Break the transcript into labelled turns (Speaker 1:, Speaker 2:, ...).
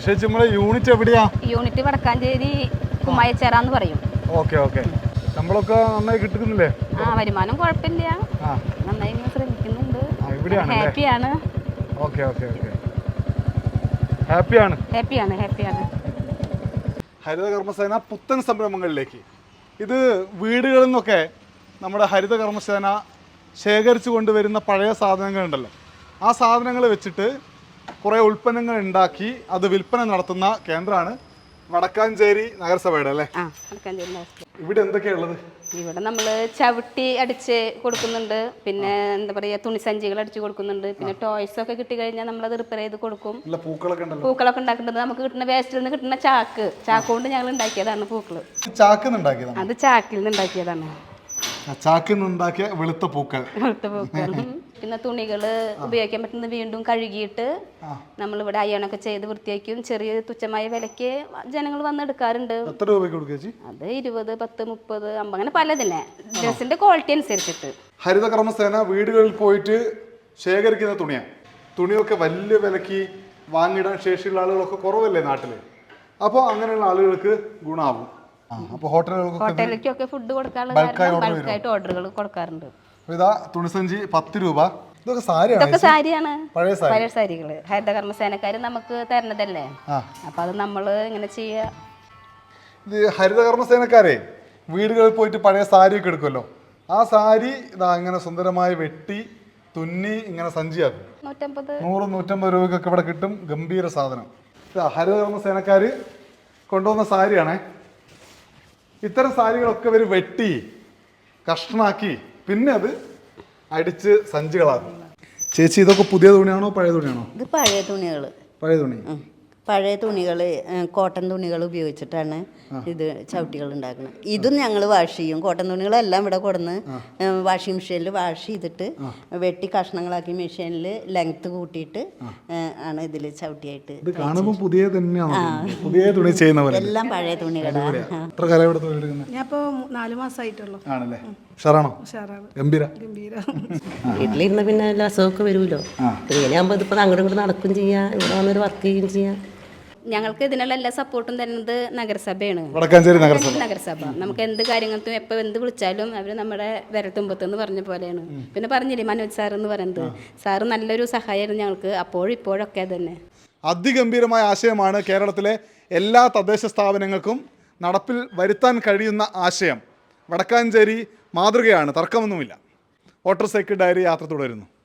Speaker 1: ചേച്ചി നമ്മളെ യൂണിറ്റ് എവിടെയാ?
Speaker 2: യൂണിറ്റ് വടക്കാഞ്ചേരി കുമ്മായച്ചേരാന്ന് പറയും.
Speaker 1: Okay okay. ശമ്പളമൊക്കെ നന്നായി കിട്ടുന്നില്ലേ?
Speaker 2: വരുമാനം കുഴപ്പമില്ല, നന്നായി ശ്രമിക്കുന്നുണ്ട്. ഹാപ്പിയാണ്.
Speaker 1: Okay okay okay. ഹാപ്പിയാണ്.
Speaker 2: ഹാപ്പിയാണ് ഹാപ്പിയാണ്.
Speaker 1: ഹരിത കർമ്മസേന പുത്തൻ സംരംഭങ്ങളിലേക്ക്. ഇത് വീടുകളിൽ നിന്നൊക്കെ നമ്മുടെ ഹരിത കർമ്മസേന ശേഖരിച്ചു കൊണ്ടുവരുന്ന പഴയ സാധനങ്ങളുണ്ടല്ലോ, ആ സാധനങ്ങൾ വെച്ചിട്ട് കുറേ ഉൽപ്പന്നങ്ങൾ ഉണ്ടാക്കി അത് വിൽപ്പന നടത്തുന്ന കേന്ദ്രമാണ് വടക്കാഞ്ചേരി നഗരസഭയുടെ അല്ലേ? ഇവിടെ എന്തൊക്കെയുള്ളത്?
Speaker 2: ഇവിടെ നമ്മൾ ചവിട്ടി അടിച്ച് കൊടുക്കുന്നുണ്ട്, പിന്നെ എന്താ പറയുക തുണിസഞ്ചികൾ അടിച്ച് കൊടുക്കുന്നുണ്ട്, പിന്നെ ടോയ്സ് ഒക്കെ കിട്ടി കഴിഞ്ഞാൽ നമ്മളത് റിപ്പയർ ചെയ്ത് കൊടുക്കും. പൂക്കളൊക്കെ ഉണ്ടാക്കുന്നത് നമുക്ക് കിട്ടുന്ന വേസ്റ്റിൽ നിന്ന് കിട്ടുന്ന ചാക്ക് കൊണ്ട് ഞങ്ങൾ ഉണ്ടാക്കിയതാണ് പൂക്കള്. അത് ചാക്കിൽ നിന്ന് ഉണ്ടാക്കിയതാണ്.
Speaker 1: ചാക്കിൽ നിന്നുണ്ടാക്കിയ വെളുത്ത പൂക്കൾ.
Speaker 2: പിന്നെ തുണികള് ഉപയോഗിക്കാൻ പറ്റുന്ന വീണ്ടും കഴുകിയിട്ട് നമ്മളിവിടെ അയ്യണൊക്കെ ചെയ്ത് വൃത്തിയാക്കും. ചെറിയ തുച്ഛമായ വിലക്ക് ജനങ്ങൾ വന്നെടുക്കാറുണ്ട്.
Speaker 1: എത്ര രൂപയ്ക്ക് കൊടുക്കുക?
Speaker 2: അത് 20, 10, 30, 50 അങ്ങനെ പലതിനെ ഡ്രസ്സിന്റെ ക്വാളിറ്റി അനുസരിച്ചിട്ട്.
Speaker 1: ഹരിത കർമ്മസേന വീടുകളിൽ പോയിട്ട് ശേഖരിക്കുന്ന തുണിയൊക്കെ വലിയ വിലക്ക് വാങ്ങിയിടാൻ ശേഷിയുള്ള ആളുകളൊക്കെ കുറവല്ലേ നാട്ടില്? അപ്പോൾ അങ്ങനെയുള്ള ആളുകൾക്ക് ഗുണമാവും.
Speaker 2: ഹോട്ടലിലേക്കൊക്കെ ഫുഡ് കൊടുക്കാനുള്ള ബൾക്കായിട്ട് ഓർഡറുകൾ കൊടുക്കാറുണ്ട്.
Speaker 1: ഇതാ തുണിസഞ്ചി 10 രൂപ.
Speaker 2: ഇതൊക്കെ സാരിയാണ്, പഴയ സാരികള് ഹരിത കർമ്മസേനക്കാര് നമുക്ക് തരണതല്ലേ, അപ്പൊ അത് നമ്മള് ഇങ്ങനെ ചെയ്യാ.
Speaker 1: ഇത് ഹരിത കർമ്മസേനക്കാരെ വീടുകളിൽ പോയിട്ട് പഴയ സാരിയൊക്കെ എടുക്കുമല്ലോ, ആ സാരി ഇതാ ഇങ്ങനെ സുന്ദരമായി വെട്ടി തുന്നി ഇങ്ങനെ സഞ്ചിയാക്കും. 100-150 രൂപയ്ക്കൊക്കെ ഇവിടെ കിട്ടും. ഗംഭീര സാധനം. ഹരിത കർമ്മസേനക്കാര് കൊണ്ടുവന്ന സാരിയാണേ. ഇത്തരം സാരികളൊക്കെ ഇവർ വെട്ടി കഷ്ണാക്കി പിന്നെ അത് അടിച്ച് സഞ്ചികളാക്കും. ചേച്ചി ഇതൊക്കെ പുതിയ തുണിയാണോ പഴയ തുണിയാണോ?
Speaker 3: ഇത് പഴയ തുണികൾ. പഴയ തുണികൾ, കോട്ടൺ തുണികൾ ഉപയോഗിച്ചിട്ടാണ് ഇത് ചവിട്ടികൾ ഉണ്ടാക്കുന്നത്. ഇതും ഞങ്ങൾ വാഷ് ചെയ്യും. കോട്ടൺ തുണികളെല്ലാം ഇവിടെ കൊടുന്ന് വാഷിംഗ് മെഷീനിൽ വാഷ് ചെയ്തിട്ട് വെട്ടി കഷ്ണങ്ങളാക്കി മെഷീനിൽ ലെങ്ത് കൂട്ടിയിട്ട് ആണ് ഇതിൽ ചവിട്ടിയായിട്ട്. എല്ലാം പഴയ തുണികളാണ്.
Speaker 4: ഞാനിപ്പോ 4 മാസമായിട്ടുള്ളൂ.
Speaker 5: വീട്ടിലിരുന്ന പിന്നെ എല്ലാ അസുഖമൊക്കെ വരുമല്ലോ. ഇങ്ങനെയാകുമ്പോൾ ഇതിപ്പോൾ അങ്ങോട്ടും ഇങ്ങോട്ട് നടക്കും ചെയ്യാം, ഇവിടെ വന്നൊരു വർക്ക് ചെയ്യുകയും ചെയ്യാം.
Speaker 2: ഞങ്ങൾക്ക് ഇതിനുള്ള എല്ലാ സപ്പോർട്ടും തരുന്നത് നഗരസഭയാണ്. നഗരസഭ നമുക്ക് എന്ത് കാര്യങ്ങൾക്കും എപ്പോൾ എന്ത് വിളിച്ചാലും അവർ നമ്മുടെ വിരൽത്തുമ്പത്തെന്ന് പറഞ്ഞ പോലെയാണ്. പിന്നെ പറഞ്ഞില്ലേ മനോജ് സാർ എന്ന് പറയുന്നത്, സാറ് നല്ലൊരു സഹായമായിരുന്നു ഞങ്ങൾക്ക് അപ്പോഴും ഇപ്പോഴൊക്കെ തന്നെ.
Speaker 1: അതിഗംഭീരമായ ആശയമാണ് കേരളത്തിലെ എല്ലാ തദ്ദേശ സ്ഥാപനങ്ങൾക്കും നടപ്പിൽ വരുത്താൻ കഴിയുന്ന ആശയം. വടക്കാഞ്ചേരി മാതൃകയാണ്, തർക്കമൊന്നുമില്ല. മോട്ടോർ സൈക്കിൾ ഡയറി യാത്ര തുടരുന്നു.